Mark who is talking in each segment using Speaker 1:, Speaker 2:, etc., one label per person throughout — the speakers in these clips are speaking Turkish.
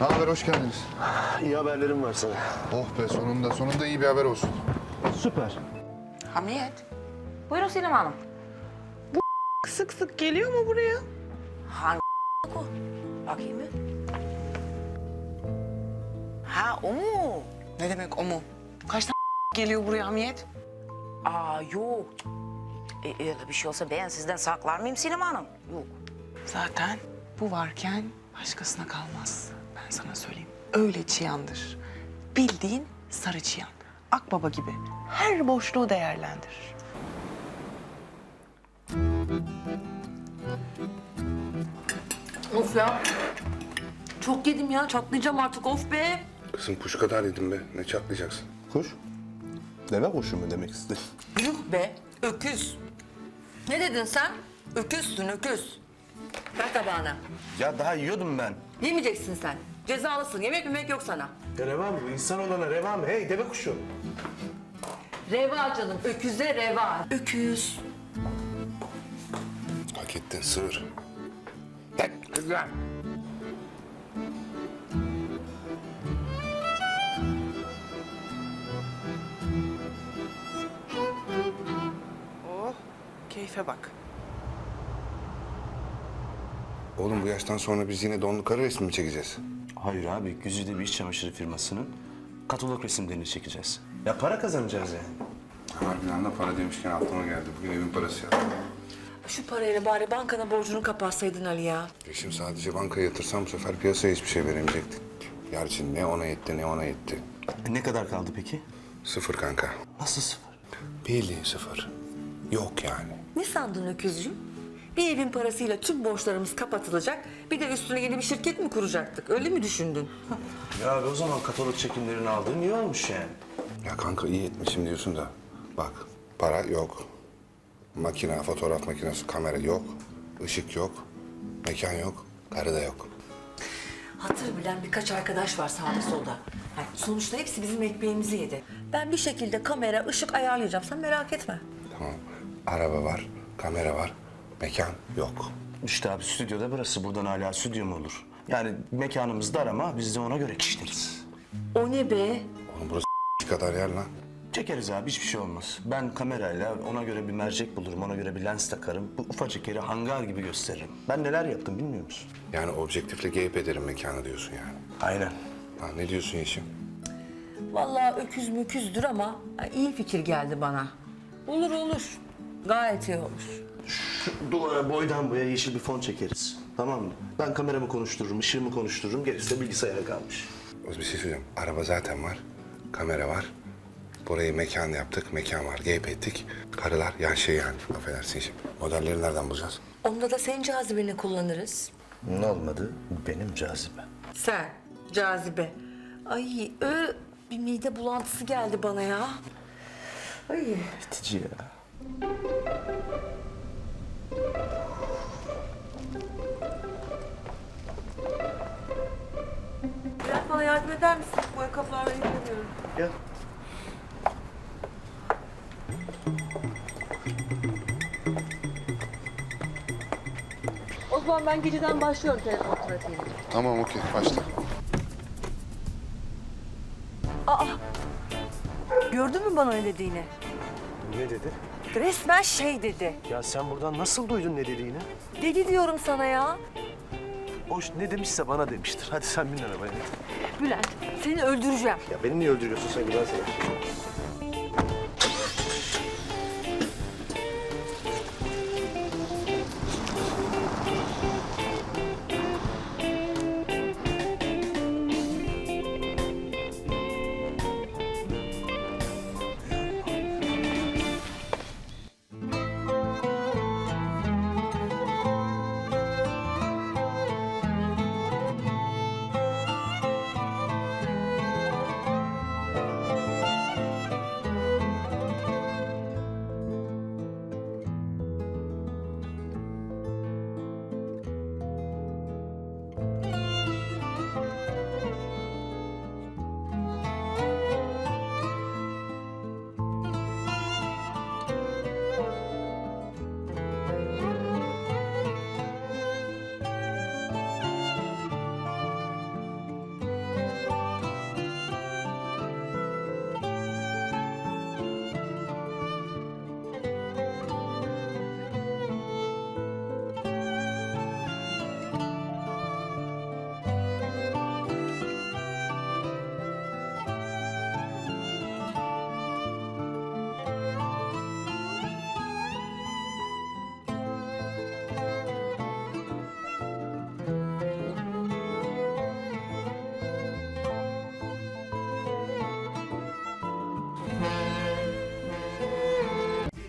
Speaker 1: haber, hoş geldiniz.
Speaker 2: İyi haberlerim var sana.
Speaker 1: Oh be, sonunda iyi bir haber olsun.
Speaker 2: Süper.
Speaker 3: Hamiyet. Buyurun Sinem Hanım.
Speaker 4: Sık sık geliyor mu buraya?
Speaker 3: Hangi o? Bakayım bir. Ha o mu?
Speaker 4: Ne demek o mu? Kaç tane geliyor buraya Hamiyet?
Speaker 3: Aa yok. Öyle bir şey olsa ben sizden saklar mıyım Sinem Hanım? Yok.
Speaker 4: Zaten bu varken başkasına kalmaz. Ben sana söyleyeyim. Öyle çıyandır. Bildiğin sarı çıyan. Akbaba gibi. Her boşluğu değerlendirir.
Speaker 3: Of ya. Çok yedim ya. Çatlayacağım artık. Of be.
Speaker 1: Kızım kuş kadar yedim be, ne çatlayacaksın?
Speaker 2: Kuş? Deve kuşu mu demek istedin?
Speaker 3: Yuh be. Öküz. Ne dedin sen? Öküzsün öküz. Ver tabağına.
Speaker 2: Ya daha yiyordum ben.
Speaker 3: Yemeyeceksin sen. Cezalısın. Yemek yok sana.
Speaker 2: Ya reva mı bu? İnsan olana reva mı? Hey deve kuşu.
Speaker 3: Reva canım. Öküze reva. Öküz.
Speaker 1: Hak ettin, sığır. Hep güzel.
Speaker 4: Oh, keyfe bak.
Speaker 1: Oğlum bu yaştan sonra biz yine donlu karı resmi mi çekeceğiz?
Speaker 2: Hayır abi, güzide bir iç çamaşırı firmasının katalog resimlerini çekeceğiz. Ya para kazanacağız yani.
Speaker 1: Harbiden de para demişken aklıma geldi. Bugün evin parası yattı.
Speaker 3: Şu parayla bari bankana borcunu kapatsaydın Ali ya.
Speaker 1: Şimdi sadece bankaya yatırsam bu sefer piyasaya hiçbir şey veremeyecektik. Gerçi ne ona yetti ne ona yetti.
Speaker 2: Ne kadar kaldı peki?
Speaker 1: Sıfır kanka.
Speaker 2: Nasıl sıfır?
Speaker 1: Bildiğin sıfır. Yok yani.
Speaker 3: Ne sandın öküzcüğüm? Bir evin parasıyla tüm borçlarımız kapatılacak. Bir de üstüne yeni bir şirket mi kuracaktık? Öyle mi düşündün?
Speaker 2: Ya abi o zaman katalog çekimlerini aldığın iyi olmuş yani.
Speaker 1: Ya kanka iyi etmişim diyorsun da. Bak para yok. Makine, fotoğraf makinesi, kamera yok. Işık yok. Mekan yok. Karı da yok.
Speaker 3: Hatır bilen birkaç arkadaş var sağda solda. Yani sonuçta hepsi bizim ekmeğimizi yedi. Ben bir şekilde kamera, ışık ayarlayacağım. Sen merak etme.
Speaker 1: Tamam. Araba var, kamera var. Mekan yok.
Speaker 2: İşte abi stüdyoda burası. Buradan hala stüdyo mu olur? Yani mekanımız dar ama biz de ona göre kişneriz.
Speaker 3: O ne be?
Speaker 1: Oğlum burası kadar yer lan.
Speaker 2: Çekeriz abi, hiçbir şey olmaz. Ben kamerayla ona göre bir mercek bulurum, ona göre bir lens takarım. Bu ufacık yeri hangar gibi gösteririm. Ben neler yaptım bilmiyor musun?
Speaker 1: Yani objektifle geyip ederim mekanı diyorsun yani.
Speaker 2: Aynen.
Speaker 1: Ha, ne diyorsun Yeşim?
Speaker 3: Vallahi öküz müküzdür ama iyi fikir geldi bana. Olur olur. Gayet iyi olur.
Speaker 2: Duvara boydan boya yeşil bir fon çekeriz. Tamam mı? Ben kameramı konuştururum, ışığımı konuştururum. Gerisi de bilgisayara kalmış.
Speaker 1: O bir şey söyleyeceğim. Araba zaten var. Kamera var. Burayı mekan yaptık. Mekan var. Geyip ettik. Karılar yan şey yani. Affedersin şimdi. Modelleri nereden bulacağız?
Speaker 3: Onda da senin cazibeni kullanırız.
Speaker 2: Ne olmadı? Benim cazibe.
Speaker 3: Sen, cazibe. Ay, bir mide bulantısı geldi bana ya. Ay.
Speaker 2: Bitici ya.
Speaker 3: Biraz bana yardım eder misin? Bu ayakkabılarla ilgileniyorum.
Speaker 2: Gel.
Speaker 3: O zaman ben geceden başlıyorum telefon trafiğine.
Speaker 1: Tamam okey. Başla.
Speaker 3: Gördün mü bana ne dediğini?
Speaker 2: Ne dedi?
Speaker 3: Resmen şey dedi.
Speaker 2: Ya sen buradan nasıl duydun ne dediğini?
Speaker 3: Deli diyorum sana ya.
Speaker 2: O ne demişse bana demiştir. Hadi sen bin arabaya.
Speaker 3: Bülent, seni öldüreceğim.
Speaker 2: Ya beni niye öldürüyorsun sen güzel sana?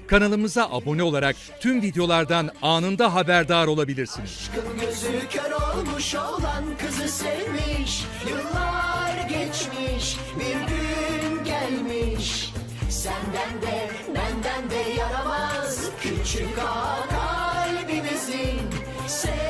Speaker 5: Kanalımıza abone olarak tüm videolardan anında haberdar olabilirsiniz.
Speaker 6: Aşkın gözü kör olmuş olan kızı sevmiş. Yıllar geçmiş, bir gün gelmiş. Senden de benden de yaramaz küçük ağa kalbimizin.